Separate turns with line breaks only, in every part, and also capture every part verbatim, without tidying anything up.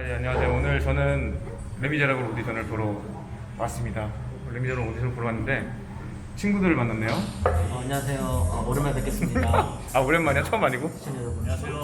예, 안녕하세요. 오늘 저는 레미제라블 오디션을 보러 왔습니다. 레미제라블 오디션을 보러 왔는데 친구들을 만났네요.
어, 안녕하세요. 어, 오랜만에 뵙겠습니다.
아, 오랜만이야? 처음 아니고?
시청자 여러분.
안녕하세요.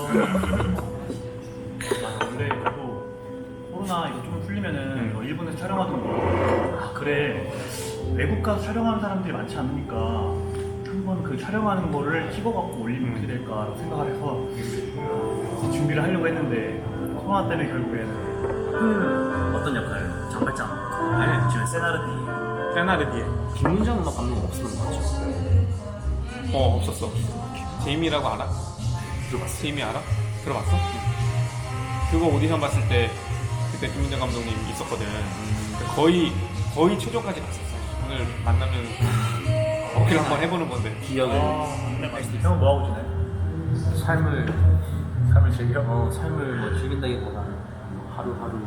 아, 원래 그래도 코로나 이거 좀 풀리면은
음.
뭐 일본에서 촬영하던 거, 아 그래 외국 가서 촬영하는 사람들이 많지 않으니까 한번 그 촬영하는 거를 찍어갖고 올리면 어떻게 될까라고 생각을 해서 어, 준비를 하려고 했는데 코로나 때문에 결국에는
그 어떤 역할? 장발장.
네, 지금 세나르디
세나르디에.
김민정 음악 감독 없었던 것 같죠?
어, 없었어. 제이미라고 알아? 들어봤어. 제이미 알아? 들어봤어? 그거 오디션 봤을 때 그때 김민정 감독님 있었거든. 거의 거의 최종까지 갔었어. 오늘 만나면 어필 한번 해보는 건데.
기억을.
아, 네, 맛있다. 형은 뭐하고 지내?
삶을
삶을 즐겨?
어, 삶을 뭐 즐긴다기보다는 하루하루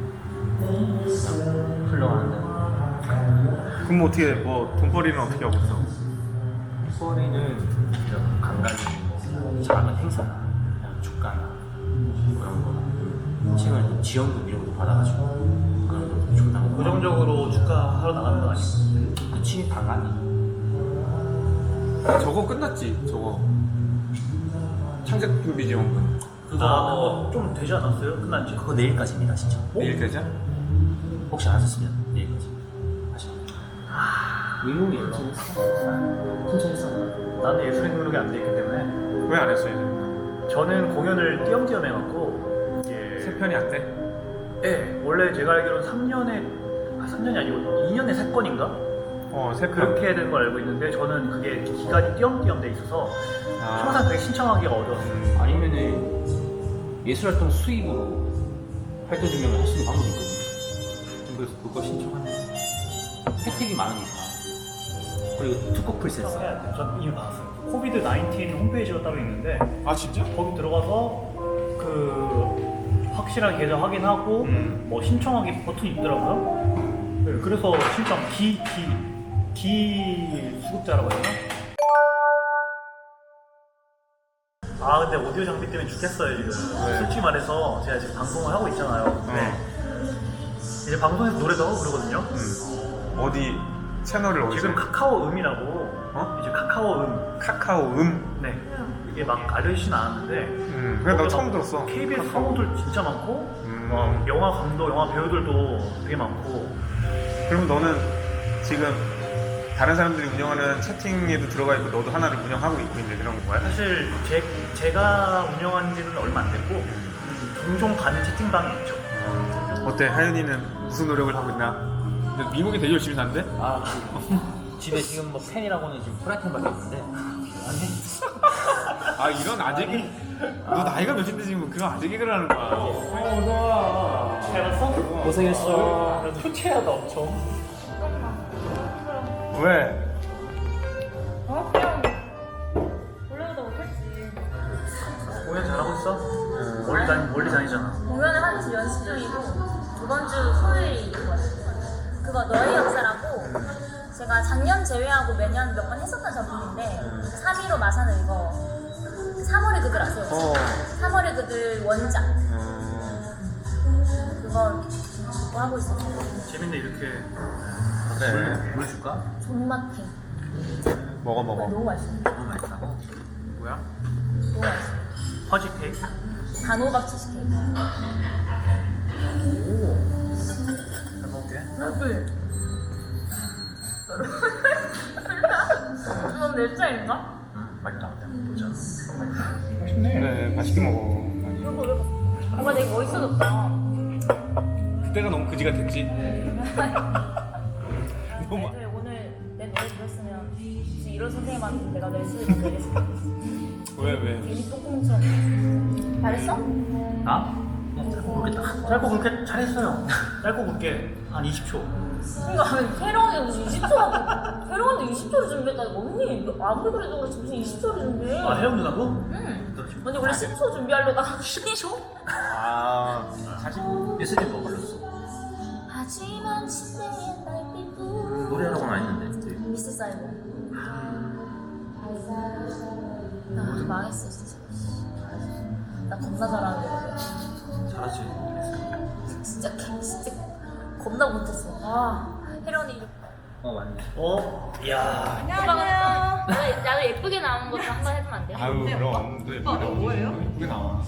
그냥 흘러가는데.
그럼 뭐 어떻게 뭐 돈벌이는 어떻게 하고 있어?
소리는 간간히 뭐 작은 행사나 그냥 축가나 뭐 이런 거 책을 지원금 이런 것도 받아가지고 그런 거 준다고.
고정적으로 축가하러 나가는 거 아니야?
그치 당연히.
저거 끝났지, 저거. 창작준비지원금.
그거 아, 좀 되지 않았어요? 끝난 지?
그거 내일까지입니다 진짜.
내일 되자?
혹시 안 하셨으면 내일까지 하시면. 의욕이 엄청 천천히 했어.
나는 예술의 능력이 안 돼 있기 때문에
왜 안 했어, 이제?
저는 공연을 띄엄띄엄 해갖고 이게
세 편이 안 돼?
네, 원래 제가 알기로는 삼 년에 아, 삼 년이 아니고 이 년에 세 건인가?
어, 세 편.
그렇게 해야 되는 걸 알고 있는데 저는 그게 기간이 띄엄띄엄 돼 있어서
아.
항상 그게 신청하기가 어려웠어요.
아니면은 예술활동 수입으로 활동 증명을 할 수 있는 방법이 있거든요. 그래서 그거 신청하면 혜택이 많으니까. 그리고 투코 풀센스.
해야 돼. 전 이미 받았어요. 코비드 나인틴 홈페이지가 따로 있는데
아, 진짜?
거기 들어가서 그 확실한 계좌 확인하고
음.
뭐 신청하기 버튼이 있더라고요. 네, 그래서 신청 기, 기, 기 수급자라고 해야 되나? 아 근데 오디오 장비 때문에 죽겠어요 지금.
네.
솔직히 말해서 제가 지금 방송을 하고 있잖아요. 네. 이제 방송에서 노래도 하고 그러거든요.
음. 어디, 채널을 어디서?
지금 카카오 음이라고
어?
이제 카카오 음.
카카오 음?
네. 이게 막 알려주진 않았는데
음, 그래, 나 처음 들었어.
케이비에스
카카오.
성우들 진짜 많고
음.
막 영화 감독, 영화 배우들도 되게 많고.
그럼 너는 지금 다른 사람들이 운영하는 채팅에도 들어가 있고 너도 하나를 운영하고 있고 있는 그런 거야?
사실 제, 제가 운영한 지는 얼마 안 됐고 음, 종종 가는 채팅방이 있죠.
어때? 하연이는 무슨 노력을 하고 있나? 근데 미국이 되게 열심히 사는데?
아, 집에 지금 뭐 팬이라고는 지금 프라이팬밖에 없는데.
아, 이런 아재 개 너 나이가 몇인데 지금 그거 아재 개그를 하는 거야. 어,
잘 봤어?
고생했어.
초췌하다 엄청.
왜?
어? 그냥 원래보다 못했지.
공연 잘하고 있어? 멀리 다니, 멀리 다니잖아.
공연을 한 주 연습 중이고 이번 주 토요일이 그거 너의 역사라고 제가 작년 제외하고 매년 몇 번 했었던 작품인데 삼 일오 마산을 이거 삼월의 그들 아세요?
어.
삼월의 그들 원작
음,
그거 그거 하고 있었어요.
재밌네 이렇게.
그래.
물 줄까?
존맛탱
먹어, 먹어.
너무 맛있어.
너무 맛있다고?
뭐야?
너무 맛있어.
퍼지 케이크?
단호박 치즈케이크.
잘 먹을게.
네. 이건 내 차인가?
맛있다.
보자.
그래, 맛있게 먹어.
이거 왜 뭔가 되게 멋있어졌다.
그때가 너무 그지가 됐지. 너무
애들 오늘 내 노래 들었으면 진짜 이런 선생님한테 내가 내 수입을 내렸을 것 같아.
왜, 왜?
괜히 똥구멍처럼. 잘했어?
나? 그냥 잘 모르겠다.
짧고 굵게 잘했어요. 짧고 굵게 한 이십 초.
그러니까 태령이 무슨 이십 초라고. 태령한테 이십 초를 준비했다니 언니 아무리 그래도 그렇지 무슨 이십 초를 준비해.
아 혜영 누나고?
응. 언니 원래 십 초 준비하려다가 십이 초?
아,
사실 예수님 뭐 불렀어?
하지만 침대에 날빛부
노래하라고는 안 했는데.
미스 사이버. 나 아주 망했어 진짜. 나 겁나 잘하는데.
잘하지.
겁나 못했어. 아 혜련이.
어 맞네.
어? 야.
안녕하세요. 나도, 나도 예쁘게 나오는 것도 한번 해주면 안 돼?
아유 그럼 또 예쁘게 나오지.
뭐예요?
예쁘게 나와.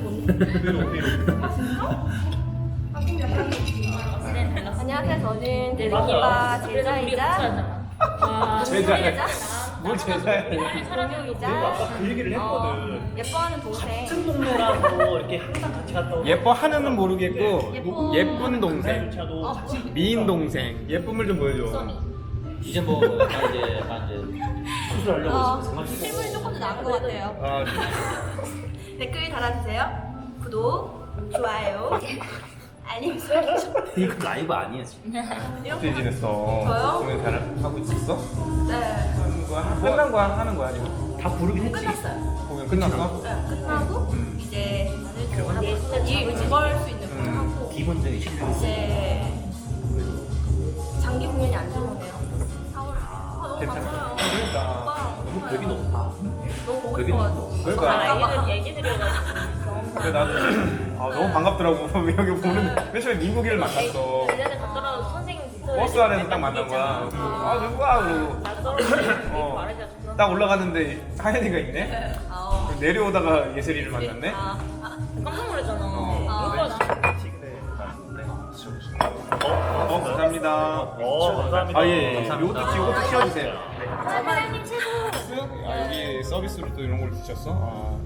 안녕하세요. 저는
내
대리기바
그래서 우리
제자이자
같이하잖아. 아,
제자야. 뭘 제자야?
동료이자
아까 그 얘기를
어,
했거든.
예뻐하는 동생.
같은 동네라고 이렇게 항상 같이 갔다 오고.
예뻐하는은 모르겠고
예뻐.
예쁜 동생,
그날조차도 같이
미인 동생, 예쁨을 좀 보여줘.
이제 뭐 약간 이제 약간 이제
수술하려고
어,
있어.
실물이 조금 더 나은 것 같아요.
아,
댓글 달아주세요. 구독, 좋아요, 알림 설정.
이거 라이브 아니야 지금.
어떻게 지냈어?
저요?
공연 잘 하고 있었어?
네,
하는 거야? 끝난 거야? 하는 거야 아니면?
다 부르긴 했지.
끝났어요.
공연 끝났어?
네, 끝나고
음.
이제 이걸 수 있는 걸 하고
기본적인 실력.
이제 장기 공연이 안 들어오네요. 사월. 아, 너무
괜찮아.
바빠요.
그러니까.
오빠,
너무 벽이 높아.
너무 보고
벽이
싶어가지고.
높아.
그러니까.
얘기, 얘기 드려가지고.
근데 나도 아, 너무 반갑더라고. 여기 보는 맨 처음에 민국이를 만났어.
예전에 갔더라도 선생님 붙어
버스 안에서 딱 만난 거야. 아 누구야? 그러고
나 떨어지고
어.
말해줘.
딱 올라갔는데 하연이가 있네.
아,
내려오다가 예슬이를 만났네.
아, 아,
깜짝 놀랐잖아.
어.
누구야 나?
어 감사합니다.
어, 감사합니다.
아 예, 예.
감사합니다.
요것도 치, 요것도 치워주세요.
사장님 최고.
아, 여기 서비스로 또 이런 걸 주셨어? 아.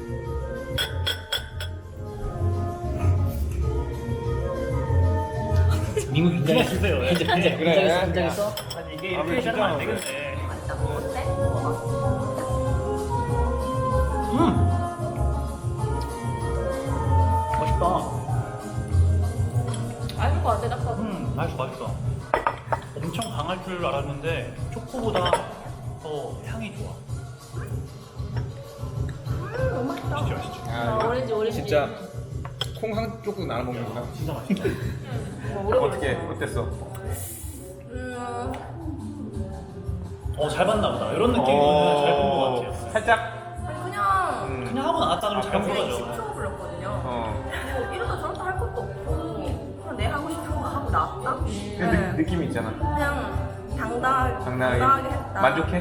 민국 인정했어.
주세요.
인정 인정
그래.
인정했어 인정했어.
아니 이게
아,
이렇게
진짜
하면 안
그래.
되겠네.
맛있다. 어때? 먹어봐.
음. 맛있다.
알것 같아 딱 봐도.
음, 맛있어, 맛있어. 엄청 강할 줄 알았는데 초코보다 더 향이 좋아.
음, 너무 맛있다.
진짜 맛있죠.
아, 오렌지 오렌지.
진짜 콩 한 조각 나눠 먹는구나.
진짜 맛있다.
뭐 오래
어떻게
걸렸어.
어땠어?
음,
어, 잘 봤나 보다. 이런 느낌은 잘 본 것 같아요.
살짝.
아니 그냥
음.
그냥 하고 나왔다 그러면 잘 본
그냥
거죠.
십 초 불렀거든요.
어.
뭐 이러다 저러다 할 것도 없고 그냥 내 하고 싶은 거 하고 나왔다.
그 느,
네.
느낌이 있잖아.
그냥 당당하게,
당당하게.
당당하게 했다.
만족해?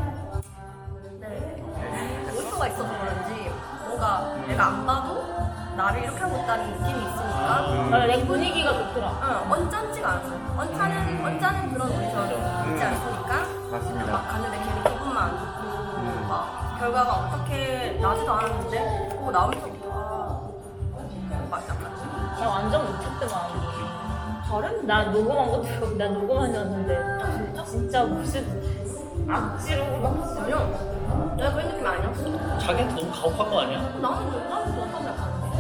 네. 모니터가 있어서 그런지 뭔가 내가 안 봐도 나를 이렇게 하고 있다는 느낌이 있으니까
음.
아, 내 분위기가 좋더라.
응, 언짢지가 않았어요. 언짢은, 언짢은 그런 오디션이 있지 않으니까
맞습니다.
막 갔는데 괜히 기분만 안 좋고 막 결과가 어떻게 나지도 않았는데 그거 나오면서 아, 막 약간
나 완전 못했더만. 잘했는데? 나 녹음한 것도 나 녹음한 였는데 진짜 무슨 악지로 막
전혀 내가 그런 느낌 아니었어.
자기한테 너무 가혹한 거 아니야?
나는 나는 좋았다고 생각하는데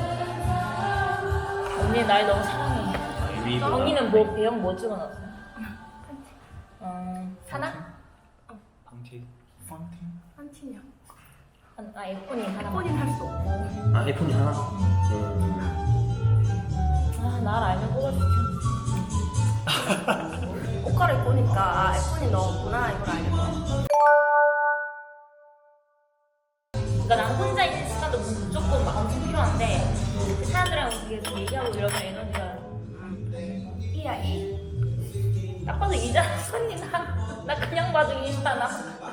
언니 날 너무 사랑해. 언니는 뭐 배영 뭐 찍어놨어? 어 사나?
방티.
한 팀이야.
아 아이폰이 하나.
폰인 할 수 없고
아 아이폰이 하나.
아날 알면 뽑아줄게.
옷갈을 보니까 아 애폰이 너구나 이걸 알겠다.
그러니까 난 혼자 있는 시간도 무조건 막 엄청 필요한데 그 사람들이랑 계속 얘기하고 이러면 에너지가
이야 이.
딱 봐도 이잖아 언니 나, 나 그냥 봐도 이잖아.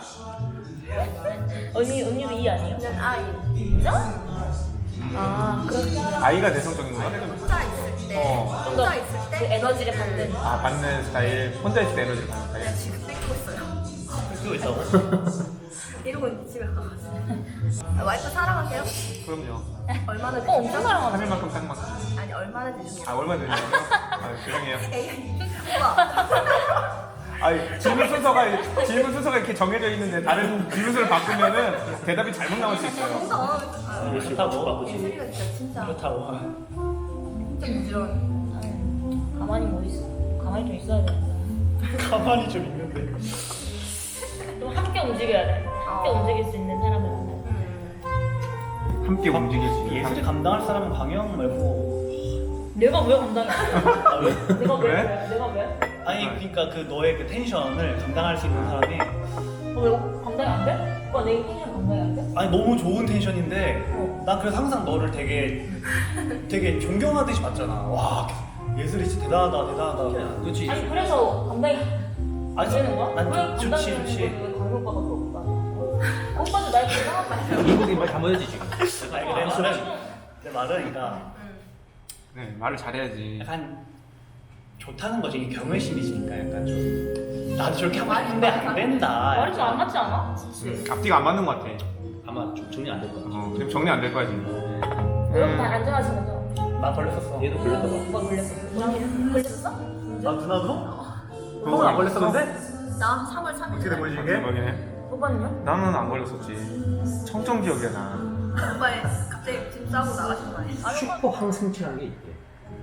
언니 언니도 이 아니에요?
그냥 아이.
진짜? 아 그렇게
아이가 내성적인 거야?
혼자 있을 때
어.
좀더
혼자 있을
그
때
에너지를 받는.
아 받는 스타일. 혼자 있을 때 에너지를 받는 스타일.
그냥 지금 뺏고 있어요.
그거 있다고?
이러고 있는데 집에 가가지고 아, 와이프 사랑하세요?
그럼요.
얼마나
어 엄청
되시죠?
사랑하지.
삼 일만큼 딱 만큼.
아니 얼마나 되시죠?
아 얼마 되냐고요? 아 죄송해요.
에이 우와
아 질문 순서가 질문 순서가 이렇게 정해져 있는데 다른 질문을 바꾸면은 대답이 잘못 나올 수 있어요.
뭔가
그렇다고.
예슬이가 진짜 진짜
그렇다고.
진짜 부지런
가만히 뭐 있어? 가만히 좀 있어야 돼.
가만히 좀 있는데.
좀 함께 움직여야 돼. 함께
어.
움직일 수 있는 사람을 만나.
음.
함께 움직일 수 있는
예술이 감당할 사람은 강영 말고.
내가 왜 감당해?
아, 왜?
내가 왜?
왜?
왜? 내가 왜?
아니 그러니까 그 너의 그 텐션을 감당할 수 있는 사람이
어, 왜 감당이 안 돼? 오빠 내 텐션 감당이 안 돼?
아니 너무 좋은 텐션인데
어.
난 그래서 항상 너를 되게 되게 존경하듯이 봤잖아. 와 예술이 진짜 대단하다 대단하다.
그렇지.
아니 그래서 감당이 안 되는 거야?
난
왜
좋- 좋지
감당되는
좋지.
건데 왜 강민 오빠가 그럴까? 오빠도 날 감당하고
미국인 말 잘못했지 지금.
아니 내 말은 내 말은 그러니까
네, 말을 잘해야지.
약간 좋다는 거지. 이게 경외심이니까 약간 좀 나도 저렇게 하고 싶은데 안 된다.
말이 좀 안 맞지 않아?
앞뒤가 안 맞는 것 같아.
아마 좀 정리 안 될 거야.
어, 지금 정리 안 될 거야 지금.
여러분 다 안전하신 거죠?
나 걸렸었어.
얘도 걸렸다 봐.
오빠 걸렸어. 걸렸었어?
아 누나도?
형은 안 걸렸었는데?
나 삼월 삼일
어떻게 된 거지 이게?
대박이네.
오빠는요?
나는 안 걸렸었지. 청정 기억이야 나.
오빠의 갑자기 짐 싸고 나가신 거 아니야?
슈퍼 항생체라는 게 있대.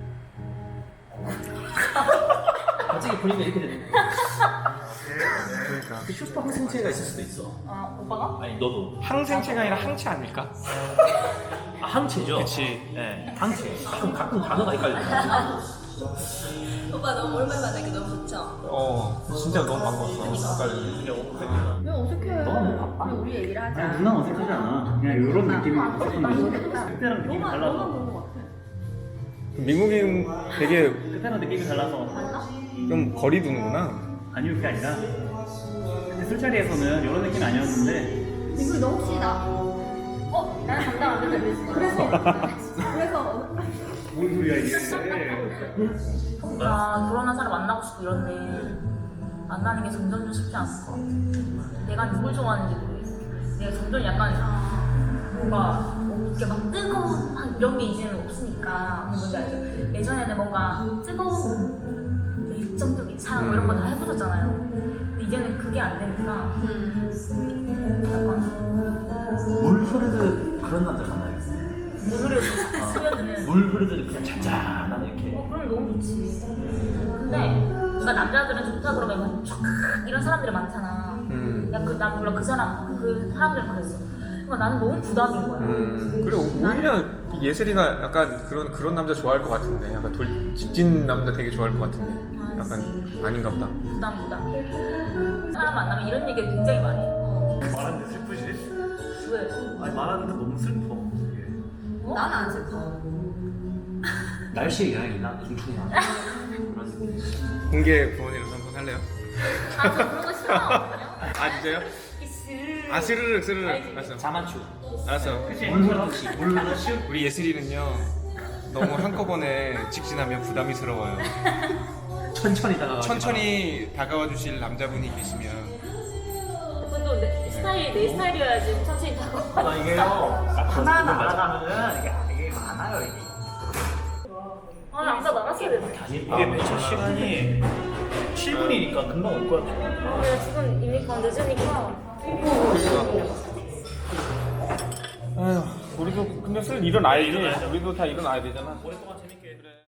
갑자기 보니까 이렇게 되는 거야.
그러니까.
그 슈퍼 항생체가 있을 수도 있어.
아 오빠가?
아니 너도.
항생체가 아니라 항체 아닐까?
아, 항체죠.
그치.
네, 항체. 가끔 가끔 단어가 헷갈려.
오빠 너무 오랜만에 만나니까 너무 좋죠?
어, 진짜 너무 반가웠어. 아까
왜 어색해?
너무 바빠.
그냥 우리 얘기를 하자.
누나 어색하지 않아. 그냥 이런 느낌이 어색한 거지. 그때랑 느낌이
너무
달라서.
너무 그런 거 같아.
미국인 되게
그때랑 느낌이 달라서.
좀 거리 두는구나.
아니요 그게 아니라 근데 술자리에서는 이런 느낌 아니었는데
이거 너 혹시 나?
어? 나는 감당 안 된다 그랬어.
그래서 그래서
뭔 소리야 이게.
아 결혼한 사람 만나고 싶고 이런데 만나는 게 점점 좀 쉽지 않을 것 같아. 내가 누굴 좋아하는지 모르겠어. 내가 점점 약간 뭔가 이렇게 막 뜨거운 막 이런 게 이제는 없으니까 뭔지 알죠? 예전에는 뭔가 뜨거운 열정적인 사랑 뭐 이런 거 다 해보셨잖아요. 근데 이제는 그게 안 되니까 약간
물 흐르듯 그런 남자 만나야겠어.
물을 쓰면은
물 흐르듯 그냥 잔잔한 이렇게.
어, 그럼 너무 좋지. 근데 그러니까 남자들은 좋다 그러면 촥 이런 사람들이 많잖아.
음.
야, 그, 난 몰라 그 사람 그 사람들은 그랬어. 그러니까 나는 너무 부담인 거야.
음. 그래 오히려 예슬이가 약간 그런 그런 남자 좋아할 것 같은데. 약간 돌 직진 남자 되게 좋아할 것 같은데. 약간 아닌가 보다.
부담 부담. 사람 만나면 이런 얘기 굉장히 많이 해.
말하는데 슬프지?
왜?
아니 말하는데 너무 슬퍼.
어?
나는 안 슬퍼.
날씨의 영향이 있나? 중충이나. 그런 느낌.
공개 부모님으로 한번 할래요?
아, 저 그런 거 싫어.
아 진짜요? 아 스르륵 스르륵. 알았어.
자만추.
알았어.
물 흐르듯이. 물 흐르듯이.
우리 예슬이는요 너무 한꺼번에 직진하면 부담이스러워요.
천천히 다가가.
천천히 다가와 주실 남자분이 계시면
그것도 내 스타일 내 스타일이어야지 천천히 다가와.
아 이게요. 하나 날아가면은 이게 이게 많아요 이게.
아, 아까 나갔어야 되는데.
이게 매체 시간이 칠 분이니까 금방 올 거야.
아, 내가 지금 이미 가 늦으니까.
아휴 우리도 근데 슬 일어나야지. 우리도 다 일어나야 되잖아.
오랫동안 재밌게.
그래.